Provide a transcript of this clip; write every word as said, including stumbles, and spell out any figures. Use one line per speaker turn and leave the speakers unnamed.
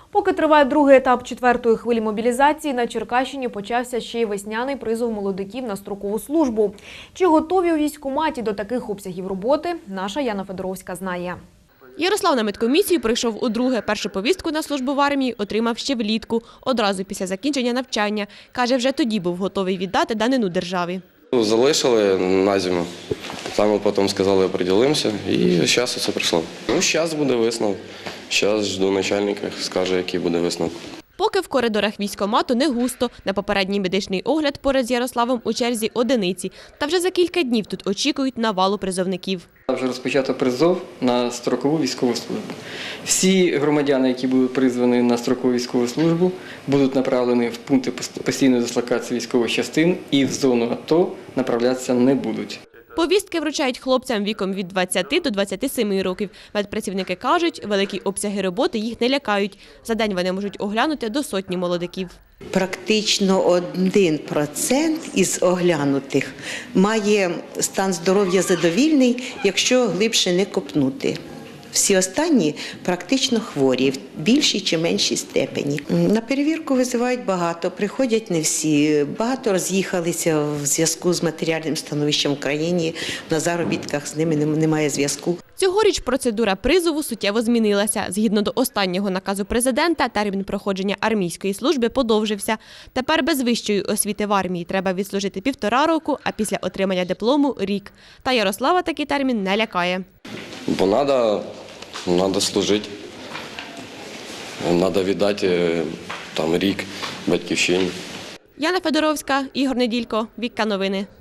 Поки триває другий етап четвертої хвилі мобілізації, на Черкащині почався ще й весняний призов молодиків на строкову службу. Чи готові у військкоматі до таких обсягів роботи, наша Яна Федоровська знає.
Ярослав на медкомісію прийшов удруге. Першу повістку на службу в армії отримав ще влітку, одразу після закінчення навчання. Каже, вже тоді був готовий віддати данину державі.
Залишили на зиму, там потім сказали, оприділимося, і зараз це прийшло. Ну, зараз буде висновок, зараз жду начальника, скаже, який буде висновок.
Поки в коридорах військкомату не густо. На попередній медичний огляд поряд з Ярославом у черзі одиниці. Та вже за кілька днів тут очікують навалу призовників.
Вже розпочато призов на строкову військову службу. Всі громадяни, які будуть призвані на строкову військову службу, будуть направлені в пункти постійної дислокації військових частин і в зону АТО направлятися не будуть.
Повістки вручають хлопцям віком від двадцяти до двадцяти семи років. Медпрацівники кажуть, великі обсяги роботи їх не лякають. За день вони можуть оглянути до сотні молодиків.
Практично один процент із оглянутих має стан здоров'я задовільний, якщо глибше не копнути. Всі останні практично хворі, в більшій чи меншій степені. На перевірку визивають багато, приходять не всі. Багато роз'їхалися в зв'язку з матеріальним становищем в країні, на заробітках з ними немає зв'язку.
Цьогоріч процедура призову суттєво змінилася. Згідно до останнього наказу президента, термін проходження армійської служби подовжився. Тепер без вищої освіти в армії треба відслужити півтора року, а після отримання диплому – рік. Та Ярослава такий термін не лякає.
Бо треба, треба служити, треба віддати там, рік батьківщині.
Яна Федоровська, Ігор Неділько, Вікка Новини.